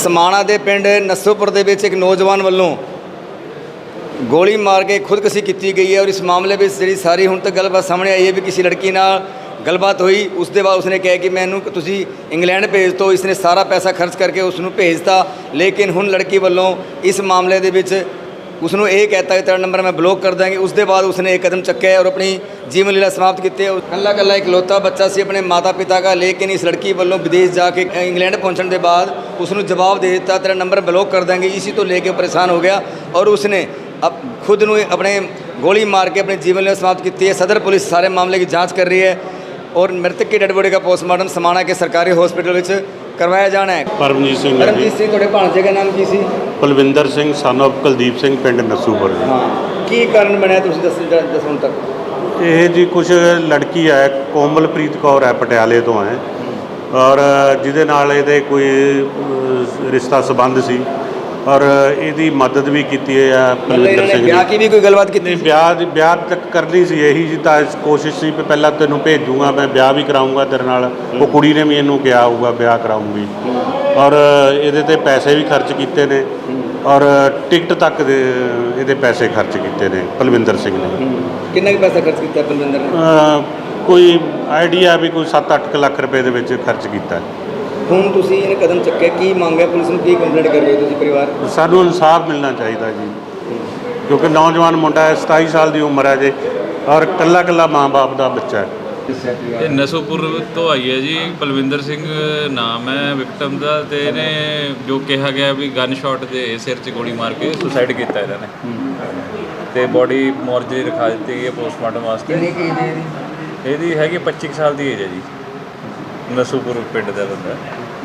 समाणा के पिंड नस्सोपुर के एक नौजवान वालों गोली मार के खुदकशी की गई है। और इस मामले में जी सारी हुण तक गलबात सामने आई है भी किसी लड़की नाल गलबात हुई, उसके बाद उसने कहा कि मैनू तुसी इंग्लैंड भेज दो। इसने सारा पैसा खर्च करके उसनू भेजता, लेकिन हुण लड़की वालों इस मामले दे विच उसनू ये कहता कि तेरा नंबर मैं ब्लॉक कर देंगे। उसके बाद उसने एक कदम चक्या और अपनी जीवन लीला समाप्त की। कल्ला कल्ला इकलौता बच्चा सी अपने माता पिता का, लेकिन इस लड़की वालों विदेश जाके इंग्लैंड पहुँचने के बाद उसनू जवाब दे दिता तेरा नंबर ब्लॉक कर देंगे। इसी तो लेके परेशान हो गया और उसने अब खुद नू अपने गोली मार के अपनी जीवन लीला समाप्त की है। सदर पुलिस सारे मामले की जाँच कर रही है और मृतक की डेड बॉडी का पोस्टमार्टम समाणा के सरकारी हॉस्पिटल में करवाया जाना है। परमजीत सिंह ਤੁਹਾਡੇ ਭਾਣਜੇ ਦਾ ਨਾਮ ਕੀ ਸੀ? ਪਲਵਿੰਦਰ ਸਿੰਘ son of ਕੁਲਦੀਪ ਸਿੰਘ ਪਿੰਡ ਨਸੂਪੁਰ। ਹਾਂ, ਕੀ ਕਾਰਨ ਬਣਿਆ ਤੁਸੀਂ ਦੱਸੋ ਹੁਣ ਤੱਕ? ਇਹ ਜੀ ਕੁਝ ਲੜਕੀ ਹੈ ਕੋਮਲਪ੍ਰੀਤ ਕੌਰ ਹੈ, ਪਟਿਆਲੇ ਤੋਂ ਹੈ ਔਰ ਜਿਹਦੇ ਨਾਲ ਇਹਦੇ ਕੋਈ ਰਿਸ਼ਤਾ ਸੰਬੰਧ ਸੀ ਔਰ ਇਹਦੀ ਮਦਦ ਵੀ ਕੀਤੀ ਹੈ ਪਲਵਿੰਦਰ ਸਿੰਘ ਨੇ। ਵਿਆਹ ਕੀ ਵੀ ਕੋਈ ਗੱਲਬਾਤ ਕੀਤੀ? ਵਿਆਹ ਤੱਕ ਕਰਨੀ ਸੀ, ਇਹੀ ਜੀ ਤਾਂ ਕੋਸ਼ਿਸ਼ ਸੀ ਵੀ ਪਹਿਲਾਂ ਤੈਨੂੰ ਭੇਜੂਗਾ, ਮੈਂ ਵਿਆਹ ਵੀ ਕਰਾਊਂਗਾ ਤੇਰੇ ਨਾਲ। ਉਹ ਕੁੜੀ ਨੇ ਵੀ ਇਹਨੂੰ ਕਿਹਾ ਹੋਊਗਾ ਵਿਆਹ ਕਰਾਊਂਗੀ ਔਰ ਇਹਦੇ ਤੇ ਪੈਸੇ ਵੀ ਖਰਚ ਕੀਤੇ ਨੇ ਔਰ ਟਿਕਟ ਤੱਕ ਦੇ ਇਹਦੇ ਪੈਸੇ ਖਰਚ ਕੀਤੇ ਨੇ ਪਲਵਿੰਦਰ ਸਿੰਘ ਨੇ। ਕਿੰਨਾ ਕੁ ਪੈਸਾ ਖਰਚ ਕੀਤਾ ਪਲਵਿੰਦਰ ਨੇ? ਕੋਈ ਆਈਡੀਆ ਵੀ ਕੋਈ 7-8 ਲੱਖ ਰੁਪਏ ਦੇ ਵਿੱਚ ਖਰਚ ਕੀਤਾ। ਹੁਣ ਤੁਸੀਂ ਇਹ ਕਦਮ ਚੱਕਿਆ, ਕੀ ਮੰਗ ਹੈ ਪੁਲਿਸ ਨੂੰ, ਕੀ ਕੰਪਲੇਂਟ ਕਰ ਰਹੇ ਹੋ ਤੁਸੀਂ ਪਰਿਵਾਰ? ਸਾਨੂੰ ਇਨਸਾਫ ਮਿਲਣਾ ਚਾਹੀਦਾ ਜੀ, ਕਿਉਂਕਿ ਨੌਜਵਾਨ ਮੁੰਡਾ ਹੈ, 27 ਸਾਲ ਦੀ ਉਮਰ ਹੈ ਜੀ ਔਰ ਕੱਲਾ ਕੱਲਾ ਮਾਂ-ਬਾਪ ਦਾ ਬੱਚਾ ਹੈ। ਇਹ ਨਸੋਪੁਰ ਤੋਂ ਆਈ ਹੈ ਜੀ, ਪਲਵਿੰਦਰ ਸਿੰਘ ਨਾਮ ਹੈ ਵਿਕਟਮ ਦਾ, ਤੇ ਇਹਨੇ ਜੋ ਕਿਹਾ ਗਿਆ ਵੀ ਗਨ ਸ਼ਾਟ ਦੇ ਸਿਰ 'ਚ ਗੋਲੀ ਮਾਰ ਕੇ ਸੁਸਾਈਡ ਕੀਤਾ ਇਹਨਾਂ ਨੇ ਤੇ ਬੋਡੀ ਮੋਰਚਰੀ ਰਖਾ ਦਿੱਤੀ ਗਈ ਹੈ ਪੋਸਟਮਾਰਟਮ ਵਾਸਤੇ। ਕਿੰਨੀ ਕੀ ਏਜ ਹੈ ਇਹਦੀ ਹੈਗੀ 25 ਸਾਲ ਦੀ ਏਜ ਹੈ ਜੀ। ਨਸੋਪੁਰ ਪਿੰਡ ਦਾ ਬੰਦਾ।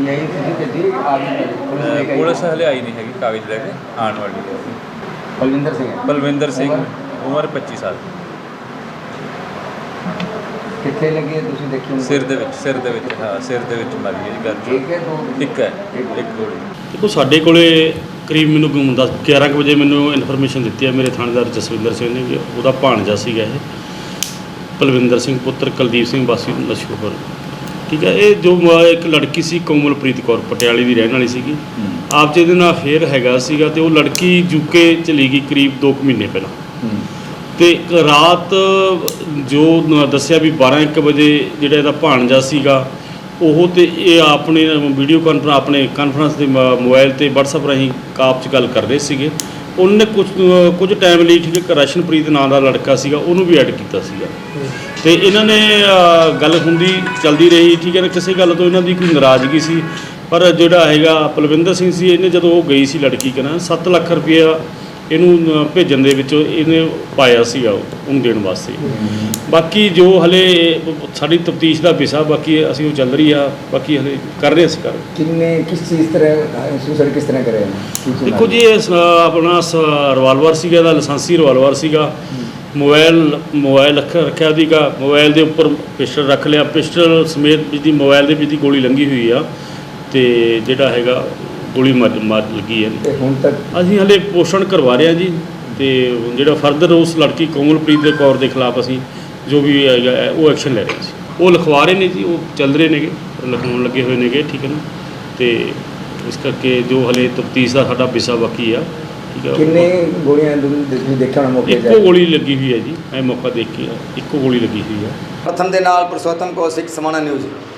ਪੁਲਿਸ ਹਲੇ ਆਈ ਨਹੀਂ ਹੈਗੀ, ਕਾਗਜ਼ ਲੈ ਕੇ ਆਉਣ ਵਾਲੀ ਹੈ। ਪਲਵਿੰਦਰ ਸਿੰਘ ਉਮਰ 25 ਸਾਲ। ਕਿੱਥੇ ਲੱਗੀ ਹੈ ਤੁਸੀਂ ਦੇਖੀ? ਸਿਰ ਦੇ ਵਿੱਚ ਹਾਂ, ਸਿਰ ਦੇ ਵਿੱਚ ਮਾਰੀ ਹੈ ਜੀ ਗਨ। ਇੱਕ ਹੈ, ਇੱਕ ਗੋਲੀ। ਦੇਖੋ ਸਾਡੇ ਕੋਲੇ ਕਰੀਬ ਮੈਨੂੰ 11 ਵਜੇ ਮੈਨੂੰ ਇਨਫੋਰਮੇਸ਼ਨ ਦਿੱਤੀ ਹੈ ਮੇਰੇ ਥਾਣੇਦਾਰ ਜਸਵਿੰਦਰ ਸਿੰਘ ਨੇ ਕਿ ਉਹਦਾ ਭਾਣਜਾ ਸੀਗਾ ਇਹ ਪਲਵਿੰਦਰ ਸਿੰਘ ਪੁੱਤਰ ਕੁਲਦੀਪ ਸਿੰਘ ਵਾਸੀ ਨਸੂਪੁਰ। ਠੀਕ ਹੈ, ਇਹ ਜੋ ਇੱਕ ਲੜਕੀ ਸੀ ਕੋਮਲਪ੍ਰੀਤ ਕੌਰ ਪਟਿਆਲੇ ਦੀ ਰਹਿਣ ਵਾਲੀ ਸੀਗੀ। ਆਪ ਜਿਹਦੇ ਨਾਲ ਅਫੇਅਰ ਹੈਗਾ ਸੀਗਾ ਤੇ ਉਹ ਲੜਕੀ ਯੂਕੇ ਚਲੀ ਗਈ ਕਰੀਬ 2 ਮਹੀਨੇ ਪਹਿਲਾਂ। ਤੇ ਰਾਤ ਜੋ ਦੱਸਿਆ ਵੀ 12-1 ਵਜੇ ਜਿਹੜਾ ਇਹਦਾ ਭਾਣਜਾ ਸੀਗਾ ਉਹ ਤੇ ਇਹ ਆਪਣੇ ਵੀਡੀਓ ਕਾਨਫਰੰਸ ਦੇ ਮੋਬਾਈਲ ਤੇ WhatsApp ਰਾਹੀਂ ਕਾਪ 'ਚ ਗੱਲ ਕਰ ਰਹੇ ਸੀਗੇ। ਉਹਨੇ ਕੁਝ ਟਾਈਮ ਲਈ ਠੀਕ ਹੈ ਰਸ਼ਨਪ੍ਰੀਤ ਨਾਂ ਦਾ ਲੜਕਾ ਸੀਗਾ ਉਹਨੂੰ ਵੀ ਐਡ ਕੀਤਾ ਸੀਗਾ ਤੇ ਇਹਨਾਂ ਨੇ ਗੱਲ ਹੁੰਦੀ ਚੱਲਦੀ ਰਹੀ। ਠੀਕ ਹੈ ਨਾ, ਕਿਸੇ ਗੱਲ ਤੋਂ ਇਹਨਾਂ ਦੀ ਕੋਈ ਨਾਰਾਜ਼ਗੀ ਸੀ ਪਰ ਜਿਹੜਾ ਹੈਗਾ ਪਲਵਿੰਦਰ ਸਿੰਘ ਸੀ ਇਹਨੇ ਜਦੋਂ ਉਹ ਗਈ ਸੀ ਲੜਕੀ ਕਹਿੰਦਾ 7 ਲੱਖ ਰੁਪਇਆ ਇਹਨੂੰ ਭੇਜਣ ਦੇ ਵਿੱਚ ਇਹਨੇ ਪਾਇਆ ਸੀਗਾ ਉਹਨੂੰ ਦੇਣ ਵਾਸਤੇ। ਬਾਕੀ ਜੋ ਹਲੇ ਸਾਡੀ ਤਫਤੀਸ਼ ਦਾ ਵਿਸ਼ਾ ਬਾਕੀ ਅਸੀਂ ਉਹ ਚੱਲ ਰਹੀ ਆ, ਬਾਕੀ ਹਲੇ ਕਰ ਰਹੇ ਅਸੀਂ ਕਿਸ ਚੀਜ਼ ਤਰ੍ਹਾਂ ਸੁਸਾਈਡ ਕਿਸ ਤਰ੍ਹਾਂ ਕਰਿਆ? ਦੇਖੋ ਜੀ ਇਹ ਆਪਣਾ ਰਿਵਾਲਵਰ ਸੀਗਾ, ਇਹਦਾ ਲਾਇਸੈਂਸੀ ਰਿਵਾਲਵਰ ਸੀਗਾ। ਮੋਬਾਈਲ ਰੱਖਿਆ ਸੀਗਾ, ਮੋਬਾਈਲ ਦੇ ਉੱਪਰ ਪਿਸਟਲ ਰੱਖ ਲਿਆ, ਪਿਸਟਲ ਸਮੇਤ ਜਿਹਦੀ ਮੋਬਾਈਲ ਦੇ ਵਿੱਚ ਦੀ ਗੋਲੀ ਲੰਘੀ ਹੋਈ ਆ ਤੇ ਜਿਹੜਾ ਹੈਗਾ ਗੋਲੀ ਮਾਰ ਲੱਗੀ ਹੈ। ਹੁਣ ਤੱਕ ਅਸੀਂ ਹਲੇ ਪੋਸ਼ਣ ਕਰਵਾ ਰਹੇ ਹਾਂ ਜੀ ਤੇ ਜਿਹੜਾ ਫਰਦਰ ਉਸ ਲੜਕੀ ਕੋਮਲਪ੍ਰੀਤ ਕੌਰ ਦੇ ਖਿਲਾਫ ਅਸੀਂ ਜੋ ਵੀ ਹੈਗਾ ਉਹ ਐਕਸ਼ਨ ਲੈ ਰਹੇ ਸੀ। ਉਹ ਲਿਖਵਾ ਰਹੇ ਨੇ ਜੀ, ਉਹ ਚੱਲ ਰਹੇ ਨੇਗੇ, ਲਿਖਾਉਣ ਲੱਗੇ ਹੋਏ ਨੇਗੇ। ਠੀਕ ਹੈ ਨਾ, ਤੇ ਇਸ ਕਰਕੇ ਜੋ ਹਲੇ ਤਫਤੀਸ਼ ਦਾ ਸਾਡਾ ਵਿਸ਼ਾ ਬਾਕੀ ਆ। ਠੀਕ ਹੈ, ਕਿੰਨੇ ਗੋਲੀਆਂ ਦੇਖਿਆ ਹੋਣਾ ਮੌਕੇ? ਇੱਕੋ ਗੋਲੀ ਲੱਗੀ ਹੋਈ ਹੈ ਜੀ, ਇਹ ਮੌਕਾ ਦੇਖ ਕੇ ਇੱਕੋ ਗੋਲੀ ਲੱਗੀ ਹੋਈ ਹੈ। ਪ੍ਰਥਮ ਦੇ ਨਾਲ ਪੁਰਸ਼ੋਤਮ ਕੌਸ਼ਿਕ, ਸਮਾਣਾ ਨਿਊਜ਼।